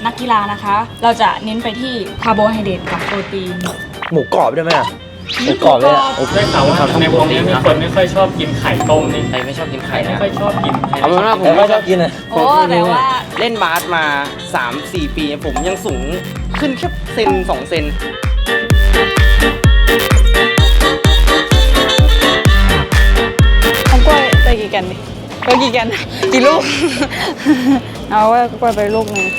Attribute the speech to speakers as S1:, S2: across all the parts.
S1: นักกีฬานะคะเราจะเน้นไปที่คาร์โบไฮเดรตกับโปรตีน
S2: หมูกรอบได้ไหมหมูกรอบเลย
S3: ได้ข่าวว่าในวงนี้มีคนไม่ค่อยชอบกินไข่ต้มนี่
S4: ใครไม่ชอบกินไข่
S3: ไม่ค่อยชอบกิน
S4: เอาเป็นว่าผม
S2: ไม่ชอบกิน
S1: โอ้แต่ว่า
S4: เล่นบาสมา 3-4 ปีผมยังสูงขึ้นแค่เซน2 เซน
S1: เอากล้วยไปกี่แกนดิไปกี่แกนกี่ลูก เอาว่ากล้วยไปลูกนึง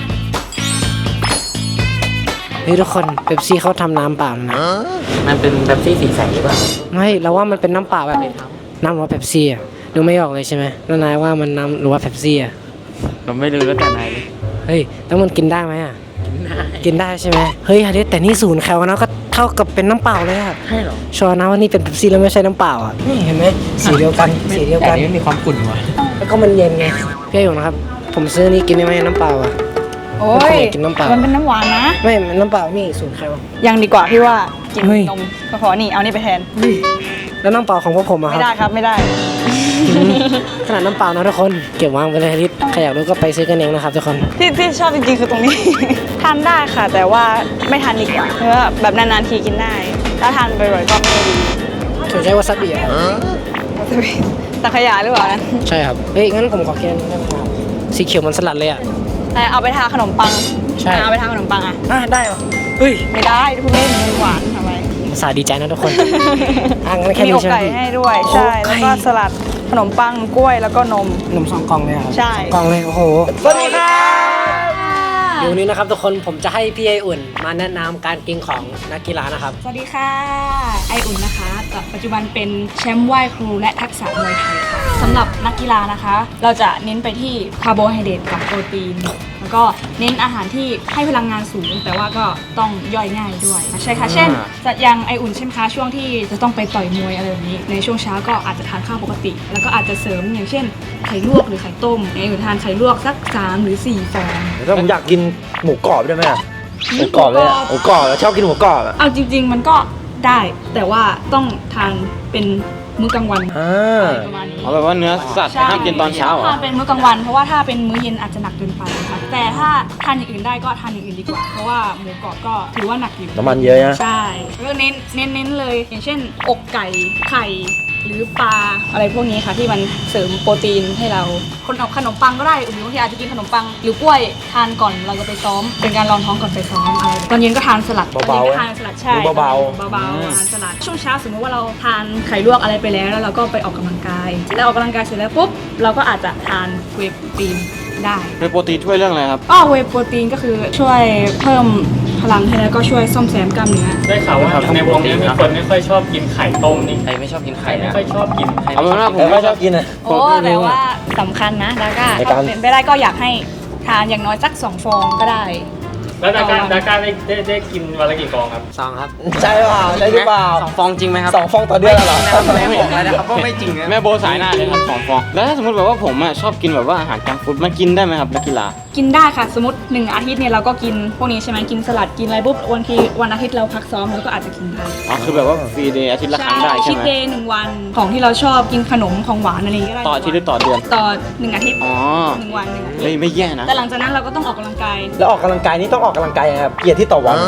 S5: เฮ้ยทุกคนเป๊ปซี่เขาทำน้ำเปล่านะ
S4: มันเป็นแบบซี่สีใสหรือเปล่า
S5: ไม่เราว่ามันเป็นน้ำเปล่าแบบน้ำหรือว่าเป๊ปซี่อ่ะดูไม่ออกเลยใช่ไหมแล้วนายว่ามันน้ำหรือว่าเป๊ปซี่อ่ะ
S4: เราไม่รู้แล้วแต่นายเลย
S5: เฮ้ยแล้วมันกินได้ไหมอ่ะกินได้ใช่ไหมเฮ้ยเด็ดแต่นี่0 แคลนะก็เท่ากับเป็นน้ำเปล่าเลยอ่ะ
S4: ใช่หรอ
S5: ชัวร์นะว่านี่เป็นเป๊ปซี่แล้วไม่ใช่น้ำเปล่าอ่ะนี่เห็นไหมสีเดียวกันสีเดียวกัน
S4: แต่นี่มีความขุ่นว่ะ
S5: แล้วก็มันเย็นไงพี่อยู่นะครับผมซื้อนี่กินได้ไหมน้ำเปล่าอ่ะ
S1: โอ้ย
S5: กินน้ำเปล่า
S1: มันเป็นน้ำหวานนะ
S5: ไม่น้ำเปล่านี่0 แคล
S1: ยังดีกว่าพี่ว่ากินนมก็พอนี่เอานี่ไปแทน
S5: แล้วน้ำเปล่าของพวกผมอะครับ
S1: ไม่ได้ครับไม่ได้
S5: ขนาดน้ำเปล่านะทุกคนเก็บวางไปเลยลิตใครอยากรู้ก็ไปซื้อกันเองนะครับทุกคน
S1: ที่ชอบจริงๆคือตรงนี้ ทานได้ค่ะแต่ว่าไม่ทานดีกว่าเพราะว่าแบบนานๆทีกินได้ถ้าทานบ่อยๆก็ไม่ดี
S5: ถูกใช้วาซาบิอะ
S1: สังขยาหรือเปล่านะ
S5: ใช่ครับเฮ้ยงั้นผมขอกินได้ไหมครับสีเขียวมันสลัดเลยอะ
S1: เอาไปทาขนมปัง
S5: ใช่
S1: เอาไปทาขนมปัง
S5: ได้เหรอเฮ้ย
S1: ไม่ได้ทุกเล่นมันหวานทำไม
S5: ภาษาดีใจนะทุกคนงั้นแค่
S1: มี
S5: นี้
S1: อกไก่ให้ด้วยใช่แล้วก็สลัดขนมปังกล้วยแล้วก็นม
S5: 2 กล่องเลยครับ
S1: ใช่
S5: กล่องเลยโอ้โห
S1: สวัสดีครับ
S5: เดี๋ยวนี้นะครับทุกคนผมจะให้พี่ไออุ่นมาแนะนำการกินของนักกีฬานะครับ
S1: สวัสดีค่ะไออุ่นนะคะปัจจุบันเป็นแชมป์ว่ายครูและทักษะมวยไทยค่ะสำหรับนักกีฬานะคะเราจะเน้นไปที่คาร์โบไฮเดรตกับโปรตีนแล้วก็เน้นอาหารที่ให้พลังงานสูงแต่ว่าก็ต้องย่อยง่ายด้วยใช่ค่ะเช่นอย่างไออุ่นใช่ไหมคะช่วงที่จะต้องไปต่อยมวยอะไรแบบนี้ในช่วงเช้าก็อาจจะทานข้าวปกติแล้วก็อาจจะเสริมอย่างเช่นไข่ลวกหรือไข่ต้มไออุ่นทานไข่ลวกสัก3 หรือ 4 ฟอง
S2: ถ้าผมอยากกินหมูกรอบได้ไหมหมูกรอบเลยหมูกรอบชอบกินหมูกรอบ
S1: เอาจริงๆมันก็ได้แต่ว่าต้องทานเป็นมื้อกลางวันประมาณนี้
S4: เอาแบบว่าเนื้อสัตว์ห้ามกินตอนเช้า
S1: ทานเป็นมื้อกลางวันเพราะว่าถ้าเป็นมื้อเย็นอาจจะหนักเกินไปค่ะแต่ถ้าทานอย่างอื่นได้ก็ทานอย่างอื่นดีกว่าเพราะว่าหมูกรอบก็ถือว่าหนักอยู่
S2: น้ำมันเยอะนะ
S1: ใช่แล้วเน้นเลยอย่างเช่นอกไก่ไข่หรือปลาอะไรพวกนี้ค่ะที่มันเสริมโปรตีนให้เราขนมปังก็ได้หรือบางทีอาจจะกินขนมปังหรือกล้วยทานก่อนเราจะไปซ้อมเป็นการรองท้องก่อนไปซ้อมอะไรตอนเย็นก็ทานสลัด
S2: เบา
S1: ๆทานสลัดใช่เบาๆทานสลัดช่วงเช้าสมมติว่าเราทานไข่ลวกอะไรไปแล้วเราก็ไปออกกำลังกายแล้วออกกำลังกายเสร็จแล้วปุ๊บเราก็อาจจะทานเวย์โปรตีนได้
S4: เวย์โปรตีนช่วยเรื่องอะไรครับ
S1: เวย์โปรตีนก็คือช่วยเพิ่มพลังให้แล้วก็ช่วยซ่อมแซมกล้ามเนื้อ
S3: ได้ข่าวว่าในวงนี้มีคนไม่ค่อยชอบกินไข่ต้มนี่
S4: ใครไม่ชอบกินไข่
S3: ไม่ค่อยชอบกิน
S4: เอาเป็นว่า
S2: ผมไม่ชอบกิน
S1: โอ้แต่ว่าสำคัญนะดาก้าเป็นไปได้ก็อยากให้ทานอย่างน้อยสัก2 ฟองก็ได้
S3: แล้วดาก้าได้กินวันละกี่ฟองครับ
S5: 2 ครับ
S2: ใช่เปล่าใช่หรือเปล่า
S4: 2 ฟองจริงไหมครับ
S2: 2 ฟองต่อเดือนเหรอ
S4: ไม่บอกเลยนะครับว่าไม่จริงแม่โบสายหน้าเลยครับ2 ฟองแล้วถ้าสมมติแบบว่าผมชอบกินแบบว่าอาหารจังก์ฟู้ดมันกินได้ไหมครับนักกีฬา
S1: กินได้ค่ะสมมติ1 อาทิตย์เนี่ยเราก็กินพวกนี้ใช่ไหมกินสลัดกินอะไรปุ๊บวันอาทิตย์เราพักซ้อมเราก็อาจจะกินได้
S4: คือแบบว่าฟรีเดย์อาทิตย์ละครั้งได้ใช่ไหม
S1: ชีทเดย์1 วันของที่เราชอบกินขนมของหวานอะไรก็ได้
S4: ต่ออาทิตย์หรือต่อเดือน
S1: ต่อ1 อาทิตย์1 วัน1 อาทิตย์
S4: ไม่แย่นะ
S1: แต่หลังจากนั้นเราก็ต้องออกกำลังกาย
S2: แล้วออกกำลังกายนี่ต้องออกกำลังกายยังไงครับกี่อาทิตย์ต่อวัน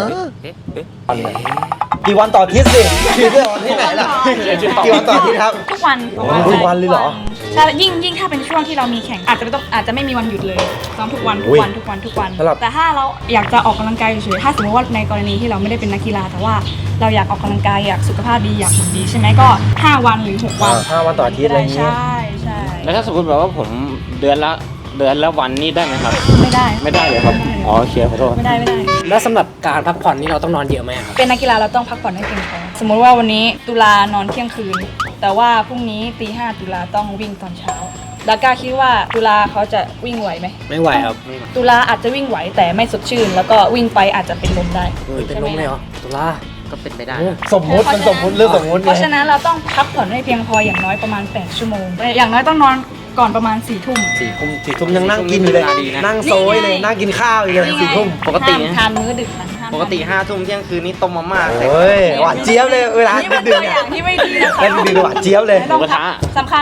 S2: กี่วันต่ออาทิตย์สิกี่วันที่ไหนล่ะกี่วันต่ออาทิตย์ครับ
S1: ทุกวัน
S2: เลยเหรอ
S1: ใช่ยิ่งถ้าเป็นช่วงที่เรามีแข่งอาจจะไม่มีวันหยุดเลยซ้อมทุกวันแต่ถ้าเราอยากจะออกกำลังกายเฉยๆถ้าสมมติว่าในกรณีที่เราไม่ได้เป็นนักกีฬาแต่ว่าเราอยากออกกำลังกายอยากสุขภาพดีอยากหุ่นดีใช่ไหมก็5 วันหรือ6 วัน
S2: 5 วันต่ออาทิตย์อะไรอย่างนี้
S1: ใช่
S4: แล้วถ้าสมมติแบบว่าผมเดือนละวันนี่ได้ไหมครับ
S1: ไม่ได้
S4: เลยครับโอเคขอโทษ
S1: ไม่ได้
S5: แล้วสำหรับการพักผ่อนนี่เราต้องนอนเยอะไหมครับ
S1: เป็นนักกีฬาเราต้องพักผ่อนให้เพียงพอสมมติว่าวันนี้ตุลานอนเที่ยงคืนแต่ว่าพรุ่งนี้ตี 5ตุลาต้องวิ่งตอนเช้าดาก้าคิดว่าตุลาเขาจะวิ่งไหวไหม
S5: ไม่ไหวครับ
S1: ตุลาอาจจะวิ่งไหวแต่ไม่สดชื่นแล้วก็วิ่งไปอาจจะเป็นลมได้
S5: เป็นลมเลยเหรอตุลา
S4: ก็เป็นไปได้
S2: สมมุติเรื่องสมมุติ
S1: เพราะฉะนั้นเราต้องพักผ่อนให้เพียงพออย่างน้อยประมาณ8 ชั่วโมงอย่างน้อยต้องนอนก่อนประมาณ4 ทุ่ม
S2: ยังนั่งกินอยู่เลยนั่งโซยเลยนั่งกินข้าวอยู่เลย4 ทุ่ม
S4: ปกติ
S1: ทานมื้อดึกนะ
S4: ปกติ5 ทุ่มเที่ยงคืนนี้ต้มมาม่า
S2: โอ้ยหวานเจี๊ยบเลยเวลาดึกๆเนี่ย
S1: ที่ไม่ดีนะคะ
S2: ดึกๆหวานเจี๊ยบเลย
S1: สำคัญ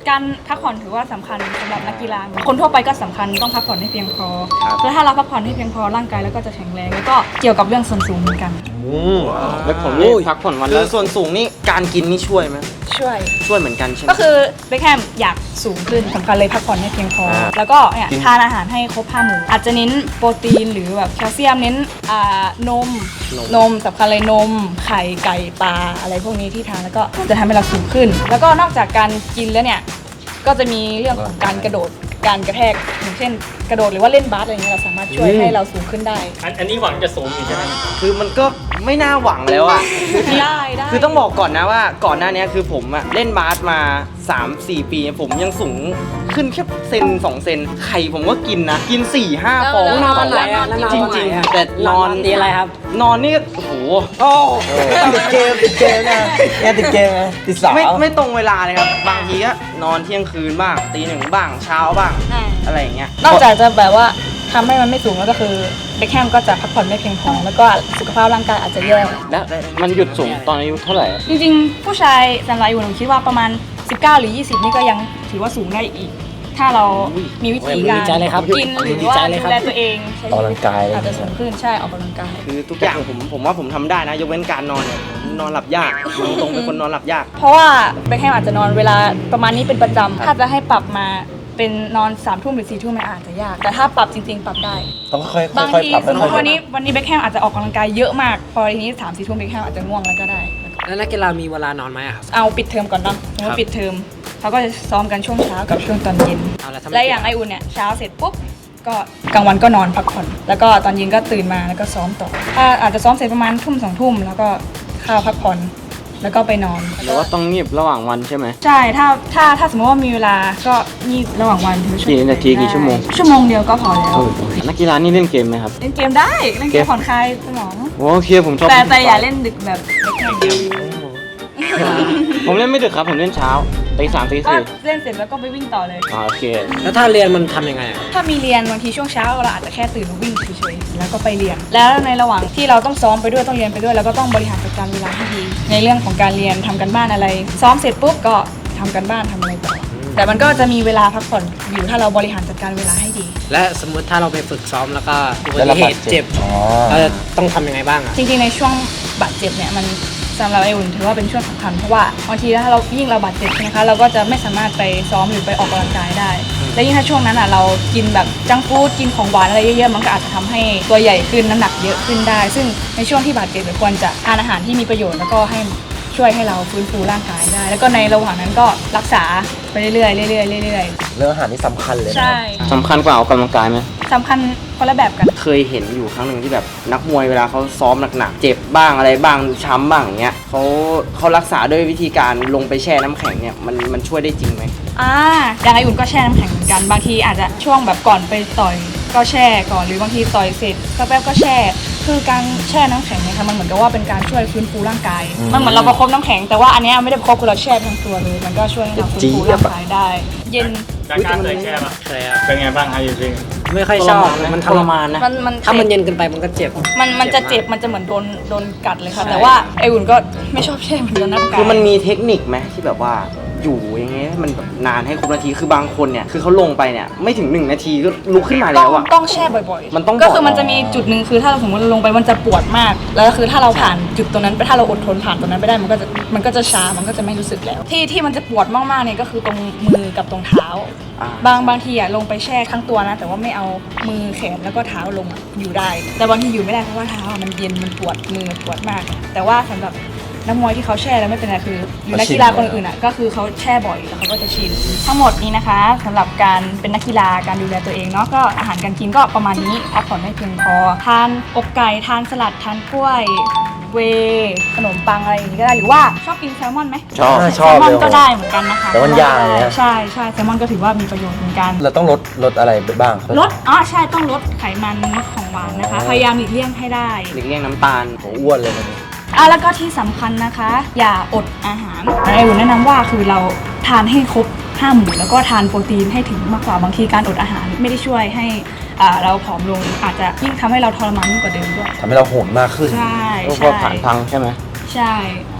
S1: การพักผ่อนถือว่าสำคัญสำหรับนักกีฬาคนทั่วไปก็สำคัญต้องพักผ่อนให้เพียงพอแล้วถ้าเราพักผ่อนให้เพียงพอร่างกายแล้วก็จะแข็งแรงแล้วก็เกี่ยวกับเรื่องส่วนสูงเหมือนกัน
S4: แล้วผมนี่พักผ่อนวัน
S2: คื
S4: ละ
S2: อส่วนสูงนี่การกินนี่ช่วยไหม
S1: ช่วย
S2: ช่วยเหมือนกันใช่ไหม
S1: ก็คือเบคแฮมอยากสูงขึ้นสำคัญเลยพักผ่อนให้เพียงพอ แล้วก็เนี่ยทานอาหารให้ครบ5 หมู่อาจจะเน้นโปรตีนหรือแบบแคลเซียมเน้นนมสำคัญเลยนมไข่ไก่ปลาอะไรพวกนี้ที่ทานแล้วก็จะทำให้เราสูงขึ้น แล้วก็นอกจากการกินแล้วเนี่ยก็จะมีเรื่องของการกระโดดการกระแทกอย่างเช่นกระโดดหรือว่าเล่นบาสอะไรเงี้ยเราสามารถช่วยให้เราสูงขึ้นได้
S3: อันนี้หวังจะสูงอยู่ใช่ไหม
S2: คือมันก็ไม่น่าหวังแล้วอ่ะ
S1: ได้ได้
S2: คือต้องบอกก่อนนะว่าก่อนหน้านี้คือผมอะเล่นบาสมา 3-4 ปี ผมยังสูงขึ้นแค่เซน2 เซนไข่ผมก็กินนะ กิน 4-5 ฟอง
S5: แล้วนอนวันไหนอะแล้วนอน
S2: จ
S5: วันไหน
S2: ริง
S5: อะ
S2: ๆ แต่นอน
S5: ตีอะไรครับ
S2: นอนนี่โอ้โห
S6: ติดเกมนะเนี่ยติดเกมนะติดสาว
S2: ไม่ตรงเวลาเลยครับ บางทีก็นอนเที่ยงคืนบ้างตี 1บ้างเช้าบ้าง อะไรอย่างเงี้ย
S1: นอกจากจะแบบว่าทำให้มันไม่สูงแล้วก็คือเบคแฮมก็จะพักผ่อนไม่เพียงพอแล้วก็สุขภาพร่างกายอาจจะแย่
S4: แล้วมันหยุดสูงตอนอายุเท่าไหร่
S1: จริงๆ ผู้ชายสำหรับอยู่หนูคิดว่าประมาณ 19 หรือ 20 นี่ก็ยังถือว่าสูงได้อีก ถ้าเรามีวิธีการ
S5: ดีใจเลยครับ
S1: กินหรือ
S5: ดี
S1: ว่า
S5: ใจเลยค
S1: ดู
S5: รับ
S1: แลตัวเองใช้
S6: ออกกำลังกาย
S1: อาจจะสูงขึ้นใช่ออกกำลังกาย
S2: คือทุกอย่างผมว่าผมทำได้นะ ยกเว้นการนอนเนี่ยผมนอนหลับยากตรงๆเป็นคนนอนหลับยาก
S1: เพราะว่าเบคแฮมอาจจะนอนเวลาประมาณนี้เป็นประจำถ้าจะให้ปรับมาเป็นนอน3 ทุ่มหรือ4 ทุ่มมันอาจจะยาก แต่ถ้าปรับจริงๆ ปรับได้
S6: ต้องค่อยๆ
S1: บาง
S6: ค่อย
S1: ที
S6: ๆปรับ
S1: สมม
S6: ค่อย
S1: ติ
S6: ๆ
S1: วันนี้เบคแฮมอาจจะออกกำลังกายเยอะมากพอทีนี้3-4 ทุ่มเบคแฮมอาจจะง่วงแล้วก็ได้
S5: แล้วนักกีฬามีเวลานอนไหมอะครับ
S1: เอาปิดเทอมก่อนเนาะสมมติปิดเทอมเขาก็จะซ้อมกันช่วงเช้ากับช่วงตอนเย็น
S5: เอาละทำไม
S1: และอย่างไออุ่นเนี่ยเช้าเสร็จปุ๊บก็กลางวันก็นอนพักผ่อนแล้วก็ตอนเย็นก็ตื่นมาแล้วก็ซ้อมต่อถ้าอาจจะซ้อมเสร็จประมาณทุ่ม2 ทุ่มแล้วก็เข้าพักผ่อนแล้วก็ไปนอน
S4: หรือว่าต้องงีบระหว่างวันใช่ไหม
S1: ใช่ถ้าสมมติว่ามีเวลาก็งีบระหว่างวันถึง
S4: กี่นาทีกี่ชั่วโมง
S1: ชั่วโมงเดียวก็พอแล้ว
S4: นักกีฬานี่เล่นเกมไหมครับ
S1: เล่นเกมได้เล่นเกมผ่อนคลายสมอง
S4: โอเคผมชอบ
S1: แต่อย่าเล่นดึกแบบเด็กแข่งเดียว
S4: ผมเล่นไม่ดึกครับผมเล่นเช้าตี3ตี
S1: ก็
S4: 4
S1: เล่นเสร็จแล้วก็ไปวิ่งต่อเลย
S4: โอเค
S5: แล้วถ้าเรียนมันทำยังไงอะ
S1: ถ้ามีเรียนบางทีช่วงเช้าเราอาจจะแค่ตื่นมาวิ่งเฉยๆแล้วก็ไปเรียน แล้วในระหว่างที่เราต้องซ้อมไปด้วยต้องเรียนไปด้วยแล้วก็ต้องบริหารจัดการเวลาให้ดี ในเรื่องของการเรียนทำกันบ้านอะไร ซ้อมเสร็จปุ๊บก็ทำกันบ้านทำอะไรต่อแต่มันก็จะมีเวลาพักผ่อนอยู่ถ้าเราบริหารจัดการเวลาให้ดี
S5: และสมมติถ้าเราไปฝึกซ้อมแล้วก็อุบัติเหตุเจ็บ
S6: อ๋อ
S5: เราจะต้องทำยังไงบ้างอะ
S1: จริงๆในช่วงบาดเจ็บเนี่ยมันสำหรับไออุ่นถือว่าเป็นช่วงสำคัญเพราะว่าบางทีถ้าเรายิ่งเราบาดเจ็บใช่ไหมคะเราก็จะไม่สามารถไปซ้อมหรือไปออกกำลังกายได้ และยิ่งถ้าช่วงนั้นอ่ะเรากินแบบจังก์ฟู้ดกินของหวานอะไรเยอะๆมันก็อาจจะทำให้ตัวใหญ่ขึ้นน้ำหนักเยอะขึ้นได้ ซึ่งในช่วงที่บาดเจ็บเราควรจะทานอาหารที่มีประโยชน์แล้วก็ให้ช่วยให้เราฟื้นฟูร่างกายได้ แล้วก็ในระหว่างนั้นก็รักษาไปเรื่อยๆเรื่อยๆเรื่อย
S6: เรื่องอาหารนี่สำคัญเลย
S1: ๆ
S6: นะ
S1: ใช่
S4: สำคัญกว่าออกกำลังกายไหม
S1: สำคัญคนละแบบกัน
S2: เคยเห็นอยู่ครั้งหนึ่งที่แบบนักมวยเวลาเขาซ้อมหนักๆเจ็บบ้างอะไรบ้างช้ำบ้างอย่างเงี้ยเขารักษาด้วยวิธีการลงไปแช่น้ำแข็งเนี่ยมันช่วยได้จริงไหม
S1: อย่างไออุ่นก็แช่น้ำแข็งเหมือนกันบางทีอาจจะช่วงแบบก่อนไปต่อยก็แช่ก่อนหรือบางทีต่อยเสร็จสักแป๊บก็แช่ คือการแช่น้ำแข็งเนี่ยค่ะมันเหมือนกับว่าเป็นการช่วยฟื้นฟูร่างกาย มันเหมือนเราประคบน้ำแข็งแต่ว่าอันเนี้ยไม่ได้ประคบคือเราแช่ทั้งตัวเลยมันก็ช่วยให้เราฟื้นฟูร่างกายได้ เย็น
S3: จากการเคยแช่ปะ
S5: เคยครับ
S3: เป็นไงบ้างครับจริง
S5: ไม่ค่อยชอบมันทรมาน
S2: นะ
S1: มัน
S5: ถ้ามันเย็นเกินไปมันก็เจ็บ
S1: มันจะเจ็บมันจะเหมือนโดนกัดเลยค่ะแต่ว่าไออุ่นก็ไม่ชอบแช่เหมือนกันนะกาย
S2: คือมันมีเทคนิคไหมที่แบบว่าอยู่อย่างเงี้ยมันแบบนานให้ครบนาทีคือบางคนเนี่ยคือเขาลงไปเนี่ยไม่ถึง1 นาทีก็ลุกขึ้นมาแล้วอ่ะ
S1: ต้องแช่บ่อยๆ
S2: มันต้อง
S1: ก็คือ
S2: บ่อย
S1: มันจะมีจุดหนึ่งคือถ้าเราสมมติเราลงไปมันจะปวดมาก แล้วคือถ้าเราผ่านจุดตรงนั้นไปถ้าเราอดทนผ่านตรงนั้นไปได้มันก็จะชามันก็จะไม่รู้สึกแล้ว ที่มันจะปวดมากๆเนี่ยก็คือตรงมือกับตรงเท้า บางทีอะลงไปแช่ทั้งตัวนะแต่ว่าไม่เอามือแขนแล้วก็เท้าลงอะอยู่ได้ แต่บางทีอยู่ไม่ได้เพราะว่าเท้าอะมันเย็นมันปวดมือปวดมาก แต่ว่าสำหรับนักมวยที่เขาแช่แล้วไม่เป็นไรคือหรือนักกีฬาคนอื่นอ่ะก็คือเขาแช่บ่อยแล้วเขาก็จะชินทั้งหมดนี้นะคะสำหรับการเป็นนักกีฬาการดูแลตัวเองเนาะก็อาหารการกินก็ประมาณนี้พักผ่อนให้เพียงพอทานอกไก่ทานสลัดทานกล้วยเวย์ขนมปังอะไรอย่างนี้ก็ได้หรือว่าชอบกินแซลมอนไหม
S6: ชอบ
S1: แซลมอนก็ได้เหมือนกันนะคะ
S6: แต่มันยากเลยนะ
S1: ใช่แซลมอนก็ถือว่ามีประโยชน์เหมือนกัน
S6: เราต้องลดอะไรไปบ้าง
S1: ลดใช่ต้องลดไขมันลดของหวานนะคะพยายามหลีกเลี่ยงให้ได้
S2: หลีกเลี่ยงน้ำตาล
S6: โหอ้วนเลยนะ
S1: แล้วก็ที่สำคัญนะคะ อย่าอดอาหารไออุ่นแนะนำว่าคือเราทานให้ครบ5 หมู่แล้วก็ทานโปรตีนให้ถึงมากกว่าบางทีการอดอาหารไม่ได้ช่วยให้เราผอมลงอาจจะยิ่งทำให้เราทรมานยิ่งกว่าเดิมด้วย
S6: ทำให้เราโหดมากขึ้น
S1: ใช่
S4: พวกผ่านพังใช่ไหม
S1: ใช่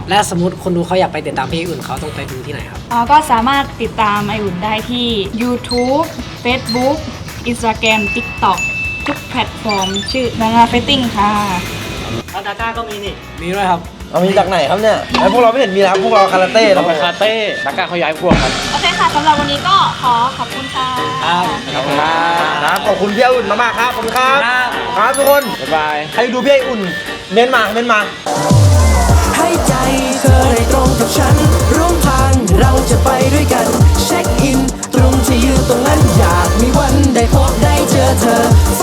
S5: และสมมติคนดูเขาอยากไปติดตามพี่อุ่นเขาต้องไปดูที่ไหนครับ
S1: ก็สามารถติดตามไออุ่นได้ที่ YouTube Facebook Instagram TikTok ทุกแพลตฟอร์มชื่อนานาเฟตติ้งค่ะ
S3: ดาก้าก็มีนี่
S5: มีด้วยครับ
S6: เอามีจากไหนครับเนี่ยไอ้พวกเราไม่เห็นมีแล้วพวกเราคาราเต้
S4: เรา
S6: เรา
S4: ไปคาเต้ดักก้าเขาย้ายพวกครับ
S1: โอเคค่ะสำหรับวันนี้ก็ขอขอบคุณค่ะ
S4: ขอบคุณครับ
S6: ครับขอบคุณพี่อุ่นมากๆครับขอบคุณครับครับทุกคน
S4: บ๊ายบาย
S6: ใครดูพี่อุ่นเม้นมา
S7: ให้ใจเธอได้ตรงกับฉัน ร่วมทางเราจะไปด้วยกัน เช็คอิน ตรงที่ยืนตรงนั้นอยากมีวันได้พบได้เจอเธอ